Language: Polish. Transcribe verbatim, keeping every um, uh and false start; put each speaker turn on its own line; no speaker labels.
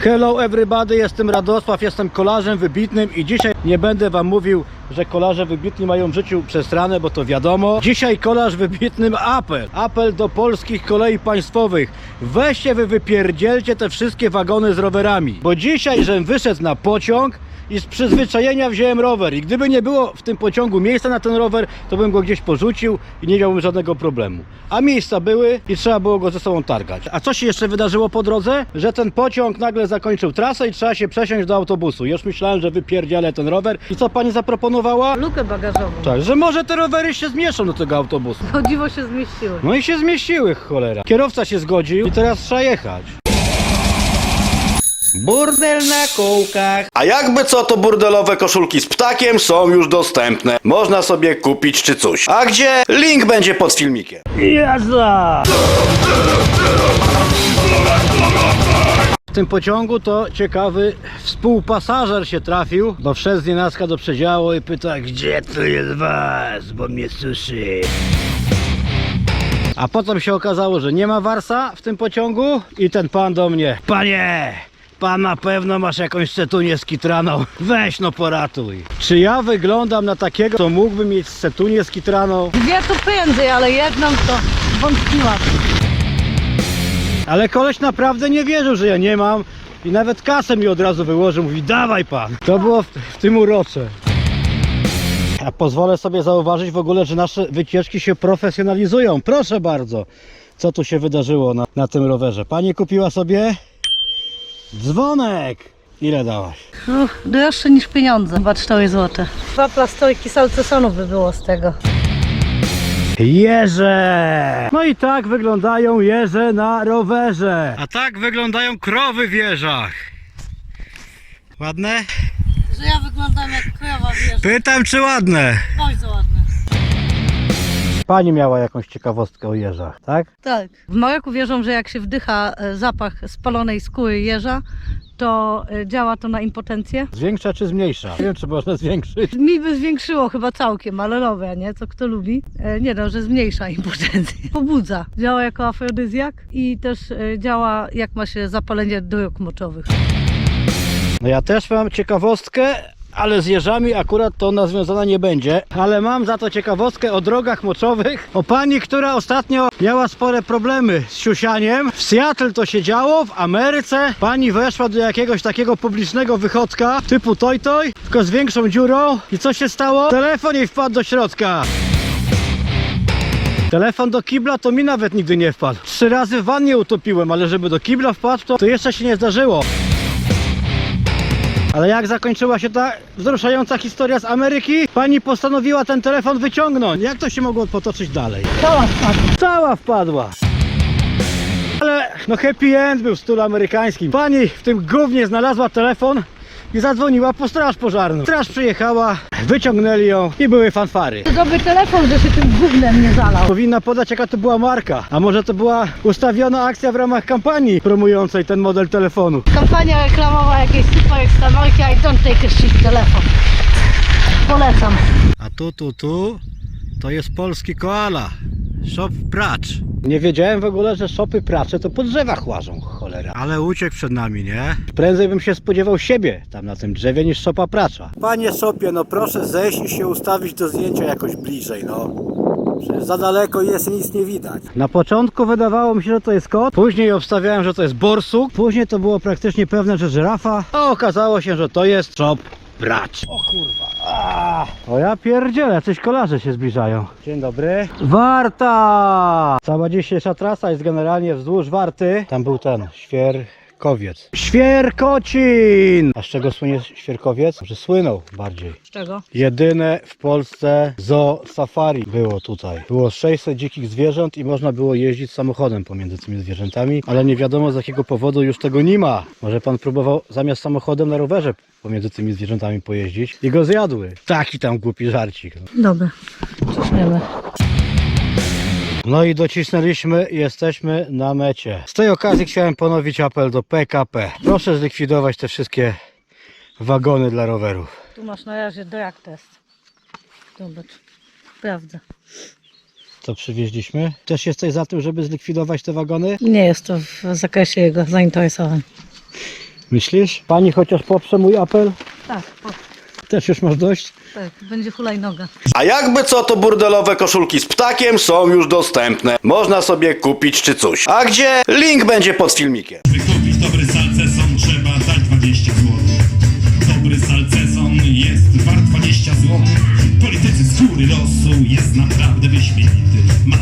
Hello everybody, jestem Radosław, jestem kolarzem wybitnym i dzisiaj nie będę wam mówił, że kolarze wybitni mają w życiu przestranę, bo to wiadomo. Dzisiaj kolarz wybitnym apel. Apel do polskich kolei państwowych. Weźcie wy wypierdzielcie te wszystkie wagony z rowerami. Bo dzisiaj, żem wyszedł na pociąg i z przyzwyczajenia wziąłem rower. I gdyby nie było w tym pociągu miejsca na ten rower, to bym go gdzieś porzucił i nie miałbym żadnego problemu. A miejsca były i trzeba było go ze sobą targać. A co się jeszcze wydarzyło po drodze? Że ten pociąg nagle zakończył trasę i trzeba się przesiąść do autobusu. Już myślałem, że wypierdzielę ten rower. I co pani zaproponowała?
Lukę bagażową.
Tak, że może te rowery się zmieszczą do tego autobusu.
O dziwo się zmieściły.
No i się zmieściły, cholera. Kierowca się zgodził i teraz trzeba jechać. Burdel na kółkach. A jakby co, to burdelowe koszulki z ptakiem są już dostępne. Można sobie kupić czy coś. A gdzie? Link będzie pod filmikiem. Jazda! W tym pociągu to ciekawy współpasażer się trafił, bo wszedł z nienacka do przedziału i pyta, gdzie tu jest was, bo mnie suszy. A potem się okazało, że nie ma warsa w tym pociągu i ten pan do mnie: panie, pan na pewno masz jakąś cetunię skitraną, weź no poratuj. Czy ja wyglądam na takiego, co mógłby mieć cetunię skitraną?
Dwie to prędzej, ale jedną to wątpiłam.
Ale koleś naprawdę nie wierzył, że ja nie mam i nawet kasę mi od razu wyłożył, mówi dawaj pan. To było w, w tym urocze. A pozwolę sobie zauważyć w ogóle, że nasze wycieczki się profesjonalizują. Proszę bardzo, co tu się wydarzyło na, na tym rowerze. Pani kupiła sobie dzwonek. Ile dałaś?
Uff, droższe niż pieniądze, chyba cztery złote. Dwa plastoiki salcesonów by było z tego.
Jeże! No i tak wyglądają jeże na rowerze. A tak wyglądają krowy w jeżach. Ładne?
Że ja wyglądam jak krowa, wiesz.
Pytam, czy ładne?
Bardzo ładne.
Pani miała jakąś ciekawostkę o jeżach, tak?
Tak. W Maroku wierzą, że jak się wdycha e, zapach spalonej skóry jeża, to e, działa to na impotencję.
Zwiększa czy zmniejsza? Nie wiem, czy można zwiększyć.
Mi by zwiększyło chyba całkiem, ale nowe, nie? Co kto lubi. E, nie no, że zmniejsza impotencję. Pobudza. Działa jako afrodyzjak i też e, działa, jak ma się zapalenie dróg moczowych.
No ja też mam ciekawostkę, ale z jeżami akurat to ona związana nie będzie. Ale mam za to ciekawostkę o drogach moczowych. O pani, która ostatnio miała spore problemy z siusianiem. W Seattle to się działo, w Ameryce. Pani weszła do jakiegoś takiego publicznego wychodka typu toj toj, tylko z większą dziurą. I co się stało? Telefon jej wpadł do środka. Telefon do kibla to mi nawet nigdy nie wpadł. Trzy razy w wannie utopiłem, ale żeby do kibla wpadł, to, to jeszcze się nie zdarzyło. Ale jak zakończyła się ta wzruszająca historia z Ameryki, pani postanowiła ten telefon wyciągnąć. Jak to się mogło potoczyć dalej?
Cała spadła.
Cała wpadła. Ale no happy end był w stylu amerykańskim. Pani w tym gównie znalazła telefon i zadzwoniła po straż pożarną. Straż przyjechała, wyciągnęli ją i były fanfary.
To dobry telefon, że się tym gównem nie zalał.
Powinna podać, jaka to była marka. A może to była ustawiona akcja w ramach kampanii promującej ten model telefonu.
Kampania reklamowa jakiejś super ekstra marki, I don't take a shit telefon. Polecam.
A tu, tu, tu to jest polski koala. Shop pracz. Nie wiedziałem w ogóle, że shopy pracze to po drzewach łażą, cholera. Ale uciekł przed nami, nie? Prędzej bym się spodziewał siebie tam na tym drzewie niż szopa pracza. Panie shopie, no proszę zejść i się ustawić do zdjęcia jakoś bliżej, no. Przecież za daleko jest i nic nie widać. Na początku wydawało mi się, że to jest kot. Później obstawiałem, że to jest borsuk. Później to było praktycznie pewne, że żyrafa. A okazało się, że to jest shop pracz. O kurwa. A, o ja pierdzielę, jacyś kolarze się zbliżają. Dzień dobry. Warta! Cała dzisiejsza trasa jest generalnie wzdłuż Warty. Tam był ten Świerkowiec. Świerkocin! A z czego słynie Świerkowiec? Że słynął bardziej.
Z czego?
Jedyne w Polsce zoo safari było tutaj. Było sześćset dzikich zwierząt i można było jeździć samochodem pomiędzy tymi zwierzętami, ale nie wiadomo z jakiego powodu już tego nie ma. Może pan próbował zamiast samochodem na rowerze pomiędzy tymi zwierzętami pojeździć i go zjadły. Taki tam głupi żarcik.
Dobra, ciśniemy.
No i docisnęliśmy i jesteśmy na mecie. Z tej okazji chciałem ponowić apel do P K P. Proszę zlikwidować te wszystkie wagony dla rowerów.
Tu masz na razie drag test. Zobacz, sprawdzę.
Co przywieźliśmy? Też jesteś za tym, żeby zlikwidować te wagony?
Nie jest to w zakresie jego zainteresowań.
Myślisz? Pani chociaż poprze mój apel?
Tak, o,
Też już masz dość?
tak, będzie hulajnoga.
A jakby co, to burdelowe koszulki z ptakiem są już dostępne. Można sobie kupić czy coś. A gdzie? Link będzie pod filmikiem.
By kupić dobry salceson trzeba dać dwadzieścia złotych. Dobry salceson jest wart dwadzieścia złotych. Politycy z góry losu jest naprawdę wyśmienity. Ma